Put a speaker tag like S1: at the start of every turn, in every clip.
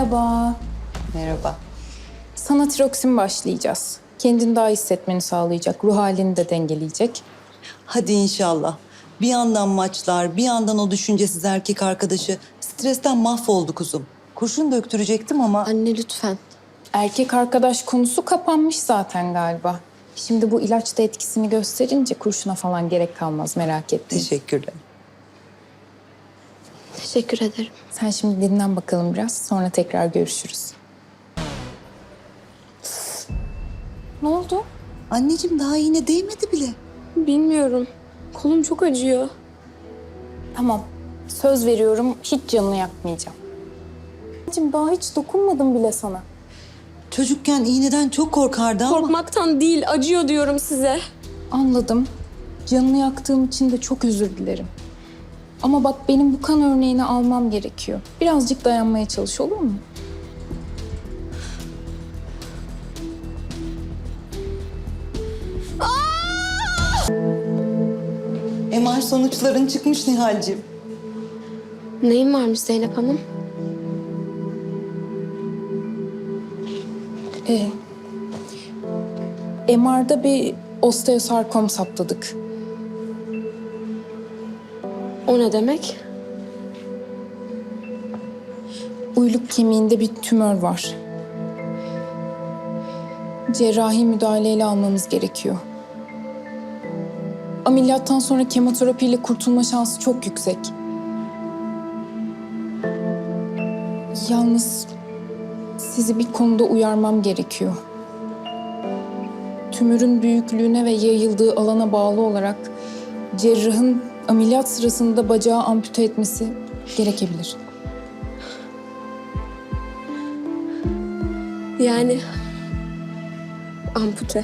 S1: Merhaba.
S2: Merhaba.
S1: Sana tiroksin başlayacağız. Kendini daha iyi hissetmeni sağlayacak, ruh halini de dengeleyecek.
S2: Hadi inşallah. Bir yandan maçlar, bir yandan o düşüncesiz erkek arkadaşı. Stresten mahvoldu kuzum. Kurşun döktürecektim ama...
S3: Anne lütfen.
S1: Erkek arkadaş konusu kapanmış zaten galiba. Şimdi bu ilaç da etkisini gösterince kurşuna falan gerek kalmaz, merak etme.
S2: Teşekkürler.
S3: Teşekkür ederim.
S1: Sen şimdi dinlen bakalım biraz, sonra tekrar görüşürüz. Ne oldu?
S2: Anneciğim daha iğne değmedi bile.
S3: Bilmiyorum. Kolum çok acıyor.
S1: Tamam, söz veriyorum hiç canını yakmayacağım. Anneciğim daha hiç dokunmadım bile sana.
S2: Çocukken iğneden çok korkardı ama...
S3: Korkmaktan değil, acıyor diyorum size.
S1: Anladım. Canını yaktığım için de çok özür dilerim. Ama bak benim bu kan örneğini almam gerekiyor. Birazcık dayanmaya çalış, olur mu?
S2: MR sonuçların çıkmış Nihal'cim.
S3: Neyin varmış Zeynep Hanım?
S1: MR'da bir osteosarkom saptadık.
S3: O ne demek?
S1: Uyluk kemiğinde bir tümör var. Cerrahi müdahaleyle almamız gerekiyor. Ameliyattan sonra kemoterapiyle kurtulma şansı çok yüksek. Yalnız sizi bir konuda uyarmam gerekiyor. Tümörün büyüklüğüne ve yayıldığı alana bağlı olarak cerrahın ameliyat sırasında bacağı ampute etmesi gerekebilir.
S3: Yani ampute.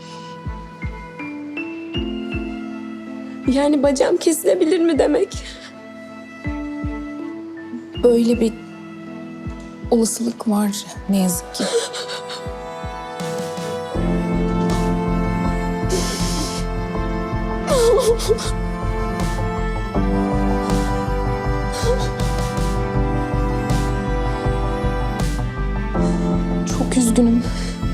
S3: Yani bacağım kesilebilir mi demek?
S1: Böyle bir olasılık var ne yazık ki. Çok üzgünüm.